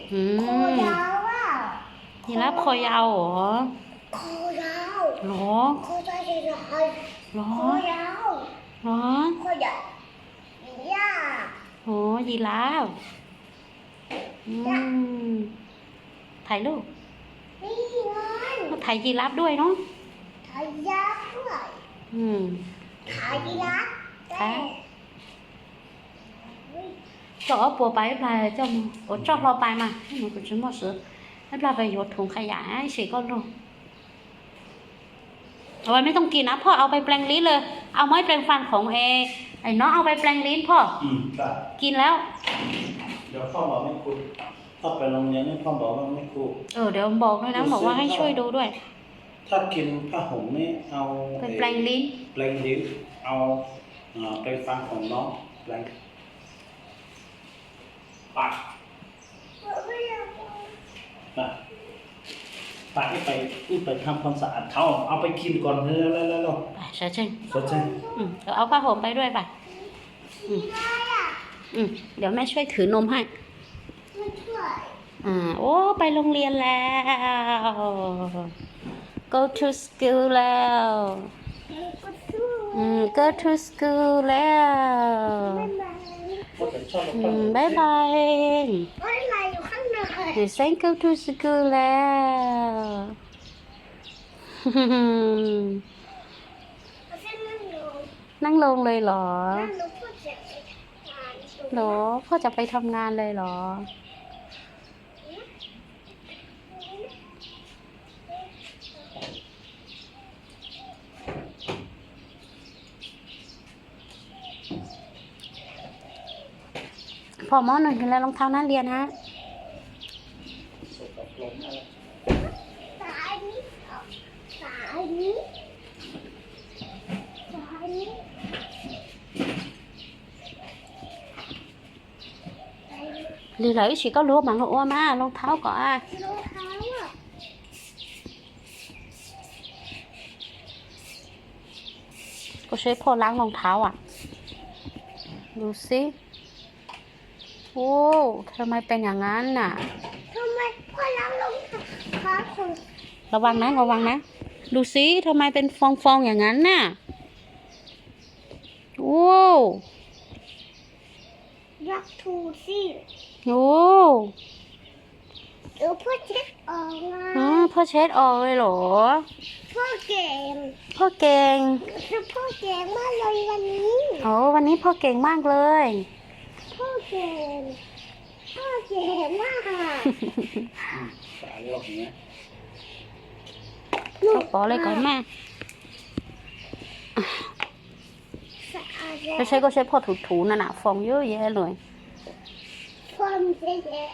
อืคอมยาวอ่ะยีราฟคอยาวเหรอคอยาวหรอคอยาวเลยหรอคอยาวหรอคอยาวย่าโหยีราฟอืมถ่ายรูปนี่ไงถ่ายยีราฟด้วยเนาะทายาทด้วยอืมทายาทได้ chỗ bố bái là cho lo bài mà nhưng mà cũng chỉ một sự nó là về dột thùng khai giải chỉ con luôn rồiไม่ต้องกินนะพ่อเอาไปแปลงลิ้นเลยเอาไม้แปลงฟันของไอ้น้องเอาไปแปลงลิ้นพ่อครับกินแล้วเดี๋ยวพ่อบอกไม่ครูพ่อไปโรงเรียนนี่พ่อบอกว่าไม่ครูเดี๋ยวบอกด้วยนะบอกว่าให้ช่วยดูด้วยถ้ากินผ้าห่มนี่เอาไปแปลงลิ้นแปลงลิ้นเอาแปลงฟันของน้องแปลงปากนะปากนี่ไปทำความสะอาดเท้าเอาไปกินก่อนเถอะแล้วไปเชิญสดใจเดี๋ยวเอาผ้าห่มไปด้วยป่ะเดี๋ยวแม่ช่วยถือนมให้ไม่ช่วยโอ้ไปโรงเรียนแล้ว go to school แล้วก็ช่วย go to school แล้วพ่อจะชอบบ๊ายบายอะไรอยู่ข้างใน say go to school แล้ว นั่งลงเลยเหรอ เหรอพ่อจะไปทำงานเลยเหรอ พอมอหนึ่งเห็นแล้วรองเท้านักเรียนฮะสายนี้สายนี้สายนี้ Lì lấy chỉ có lúa bằng lúa mà rong tháo có ai รองเท้าอ่ะ có sẽ phôล้างรองเท้าอ่ะ ดูสิโอ้ทำไมเป็นอย่างนั้นน่ะทำไมพ่อล้างรองเท้าของระวังนะ ดูสิทำไมเป็นฟองๆอย่างนั้นน่ะโอ้รักทูสิโอ้เดี๋ยวพ่อเช็ดออกนะพ่อเช็ดออกเลยเหรอพ่อเก่งพ่อเก่งพ่อเก่งมากเลยวันนี้โอ้วันนี้พ่อเก่งมากเลยพ่อเก่งพ่อเก่งมากสายหลอกเนี้ยพ่อbỏ lênก่อนแม่สะอาดไม่ใช่ก็ใช้พ่อถูๆนั่นน่ะฟองเยอะแยะเลยพ่อไม่เก่ง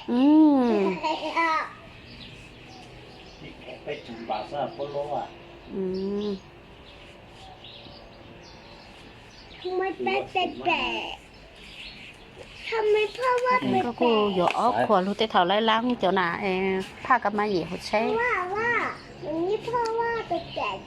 ไปจุ่มบาซ่าโปโลอ่ะทำไมเป็นแปลกทำไมพ่อว่าเป็นก็แปลกูกอยู่ออกขวรู้แต่เท่าไรล้างเจ้าหน้าผ้ากับมาเหยียบใช้ว่าอย่างนี้พ่อว่าเป็นแปลก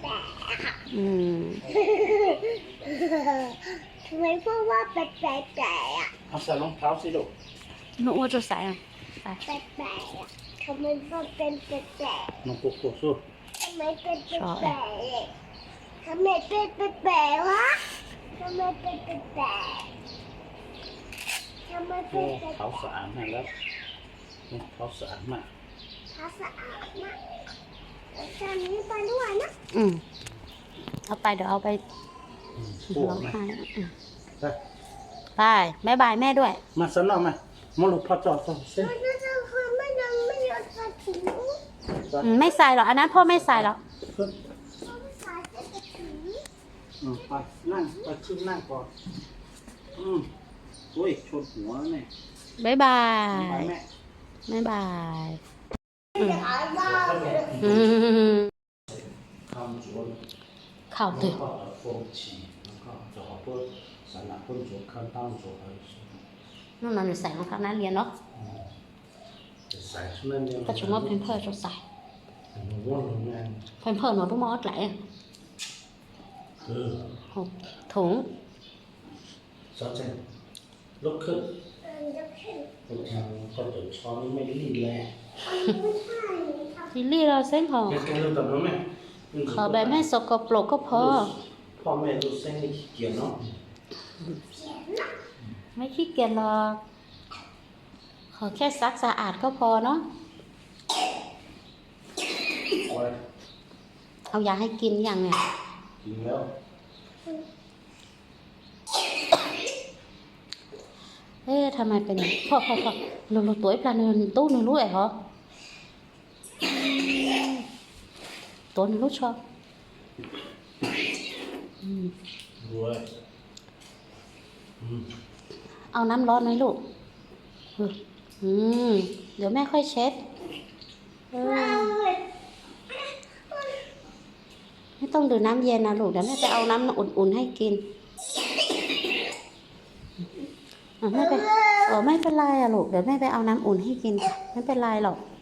ทำไมพ่อว่าเป็นแปลกอ่ะเอาใส่รองเท้าสิลูกหนูว่าจะใส่ใส่แปลกอ่ะทำไมพ่อเป็นแปลกน้องกุ๊กกุ๊กสู้ทำไมเป็นแปลกทำไมเป็นแปลกวะทำไมเป็นแปลกทำไมโอ้เป็นแปลกเท้าสะอาดมากแล้วเท้าสะอาดมากท้าสะอาดมากจานนี้ไปด้วยนะเอาไปเดี๋ยวเอาไปปวร้ดองไหมไห้ไปบายบายแม่ด้วยมาสนอมามาลูกพ่อจอดเส้นมันจะคือไม่ยังไม่ยอมใส่ถุงไม่ใส่หรอกอันนั้นพ่อไม่ใส่หรอกขึ้นพ่อไม่ใส่ถุงไปนั่งไปขึ้นนั่งก่อนอุ้ยชนหัวเนี่ยบายบาไปยแม่บายบายไม่ได้อาบน้ำทำสวนข่าวตื่นก็风起แล้วก็จะเอาพวกสารพัดตัวขั้นตั้งตัวอะไรนู่นน่ะหนูใส่รองเท้านักเรียนเนาะจะใส่ชุดนั้นเนี่ยก็ชุดว่าเพมเพิร์จะใส่หนูว่าหนูแม่เพมเพิร์หนูต้องมอดไหลคือถุงสนใจลุกขึ้นนก็จะช้อนไม่รีดเลยลิลลี่เราเส้นหอแกรู้ตอนนั้นไหมขอแบบไม่สกปรกก็พอพ่อแม่รู้เส้นไม่ขี้เกียจเนาะไม่ขี้เกียจหรอกขอแค่ซักสะอาดก็พอเนาะโอ้ยเอายาให้กินอย่างเนี่ยกินแล้วเอ๊ะทำไมเป็นอย่างนี้พ่อลูตัวไอ้ปลาเนินตู้หนูรู้ไอ้เหรอตัวหนูรู้ชอบอืมรวยอืมเอาน้ำร้อนไหมลูกอืมเดี๋ยวแม่ค่อยเช็ดไม่ต้องดื่มน้ำเย็นนะลูกเดี๋ยวแม่ไปเอาน้ำอุ่นๆให้กินไม่เป็นไรอะลูกเดี๋ยวแม่ไปเอาน้ำอุ่นให้กินไม่เป็นไรหรอก